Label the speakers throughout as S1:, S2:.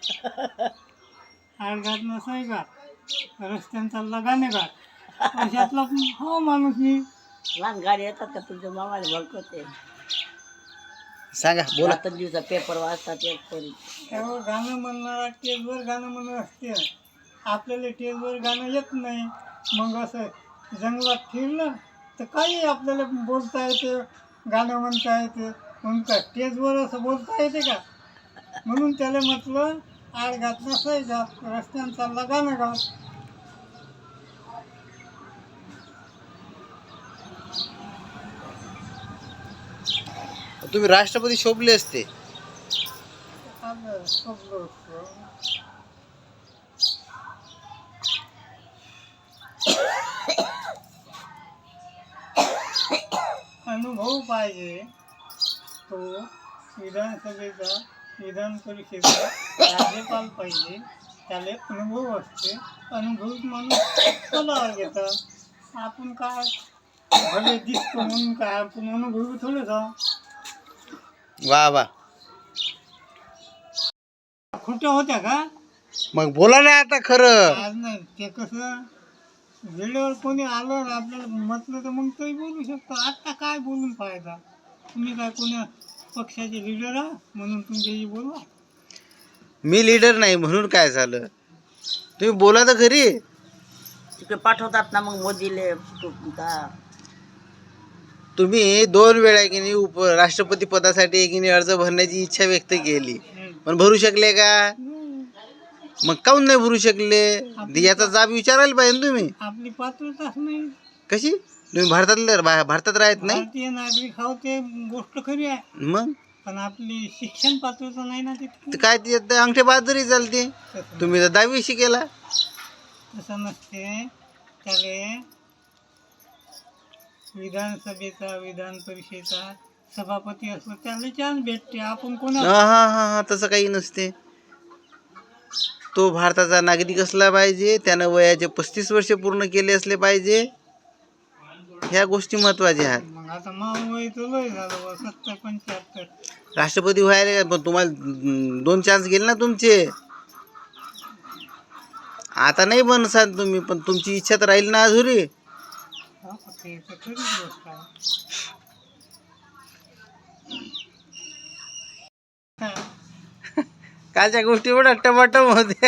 S1: आडघाट नसाय का रस्त्यांचा लगाने घाट अशातला हो माणूस मी.
S2: लहान गाडी येतात का तुमच्या मामाला भडकवते
S3: सांगा बोला.
S2: आता दिवसा पेपर वाचतात एक तरी
S1: त्यावर गाणं म्हणणारा टेजवर गाणं म्हणत असते. आपल्याला टेजवर गाणं येत नाही. मग असं जंगलात फिरलं तर काही आपल्याला बोलता येते, गाणं म्हणता येते. म्हणून का टेजवर असं बोलता येते का? म्हणून त्याला म्हटलं आडघाट नसाय का रस्त्यांचा लगाने घाट.
S3: तुम्ही राष्ट्रपती शोभले असते.
S1: आलं शोभलो असतो. अनुभव पाहिजे तो विधानसभेचा, विधान परिषदेचा राज्यपाल पाहिजे. त्याला अनुभव असते. अनुभवित माणूस पदावर घेतात. आपण काय भले दिसतो म्हणून काय आपण अनुभवी थोडंच आहोत.
S3: वा वा.
S1: खोट्या होत्या का?
S3: मग बोला ना आता खरं.
S1: आज नाही. ते कसं वेळेवर कोणी आलं ना आपल्याला म्हटलं तर मग तरी बोलू शकतो. आता काय बोलून फायदा? तुम्ही काय कोण्या पक्षाचे लिडर आहात म्हणून तुमच्याशी बोलवा.
S3: मी लीडर नाही म्हणून काय झालं. तुम्ही बोला तर खरी.
S2: तिकडे पाठवतात ना मग मोदीले का
S3: तुम्ही 2 वेळा की नाही राष्ट्रपती पदासाठी की नाही अर्ज भरण्याची इच्छा व्यक्त केली, पण भरू शकले का? मग काऊन नाही भरू शकले? याचा जाब विचारायला पाहिजे ना तुम्ही.
S1: आपली पात्रताच नाही.
S3: कशी? तुम्ही भारतात राहत नाही.
S1: भारतीय नागरिक आहोत ते गोष्ट खरी आहे.
S3: मग
S1: पण आपली शिक्षण पात्रता नाही ना तितकी.
S3: ते काय ते अंगठे बाजरी चालते. तुम्ही तर 10वी शिकेला.
S1: तसं नसते. त्याले विधानसभेचा, विधान परिषदेचा सभापती असतो त्याला चान्स भेटते. आपण कोणा
S3: हा तसं काही नसते. तो भारताचा नागरिक असला पाहिजे. त्यानं वयाचे 35 वर्ष पूर्ण केले असले पाहिजे. ह्या गोष्टी महत्वाच्या आहेत.
S1: मग आता वय तर लय झालं 70-75.
S3: राष्ट्रपती व्हायला पण तुम्हाला 2 चान्स गेले ना तुमचे. आता नाही बनसाल तुम्ही, पण तुमची इच्छा तर राहील ना अधुरी.
S1: हा, ते तर खरीच गोष्ट आहे. हा.
S3: कालच्या गोष्टी एवढ्या टमाटम होत्या.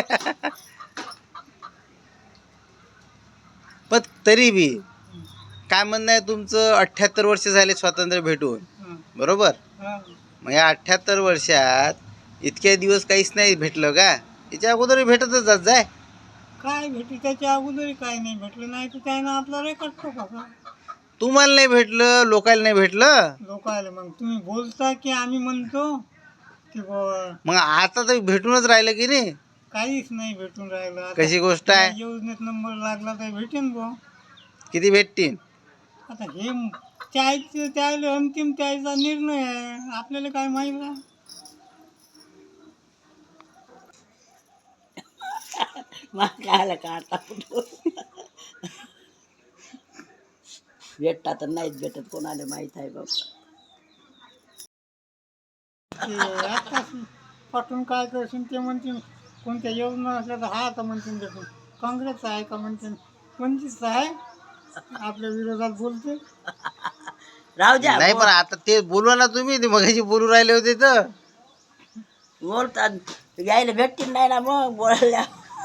S3: पण तरी बी काय म्हणणं आहे तुमचं? 78 वर्ष झाले स्वातंत्र्य भेटून,
S1: हं.
S3: बरोबर?
S1: हा.
S3: मग या 78 वर्षात इतके दिवस काहीच नाही भेटलं का? याच्या अगोदर भेटतच जात जाय.
S1: काय भेटली त्याच्या अगोदर काय नाही भेटलं नाही तर त्यानं आपला रेकॉर्ड ठोका.
S3: तुम्हाला नाही भेटलं, लोकांना नाही भेटलं.
S1: लोक आले मग तुम्ही बोलता की आम्ही म्हणतो की
S3: मग आता तर भेटूनच राहिलं की नाही.
S1: काहीच नाही भेटून राहिलं. आता
S3: कशी गोष्ट आहे?
S1: या योजनेत नंबर लागला तर भेटेन बुवा.
S3: किती भेटतील?
S1: आता हे त्याचं त्याला अंतिम त्याचा निर्णय आहे. आपल्याला काय माहिती आहे?
S2: मग कायला काढता भेटता तर नाहीच भेटत कोणाला माहित आहे बाबा.
S1: ते आताच पाठवून काय करशील ते म्हणतील. कोणत्या योजना असल्या तर हा तर म्हणतील भेटून. काँग्रेस आहे का म्हणतील. कोणतीच आहे आपल्या विरोधात बोलते.
S2: राहू द्या
S3: नाही पण आता ते बोलवा ना तुम्ही. ते मगाशी बोलू राहिले होते तर.
S2: बोलतात यायला भेटतील नाही ना मग बोलायला.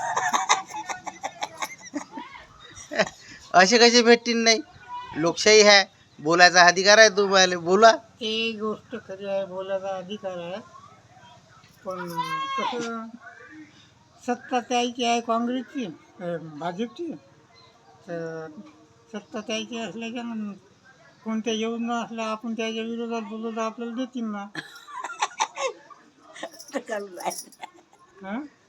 S3: असे कसे भेटतील नाही? लोकशाही आहे, बोलायचा अधिकार आहे तुम्हाला. बोला.
S1: ते गोष्ट खरी आहे. बोलायचा अधिकार आहे. पण कसं सत्ता त्याची आहे काँग्रेसची, भाजपची. तर सत्ता त्याची असल्याच्यानं कोणत्या योजना असल्या आपण त्याच्या विरोधात बोललो तर आपल्याला देतील ना. हां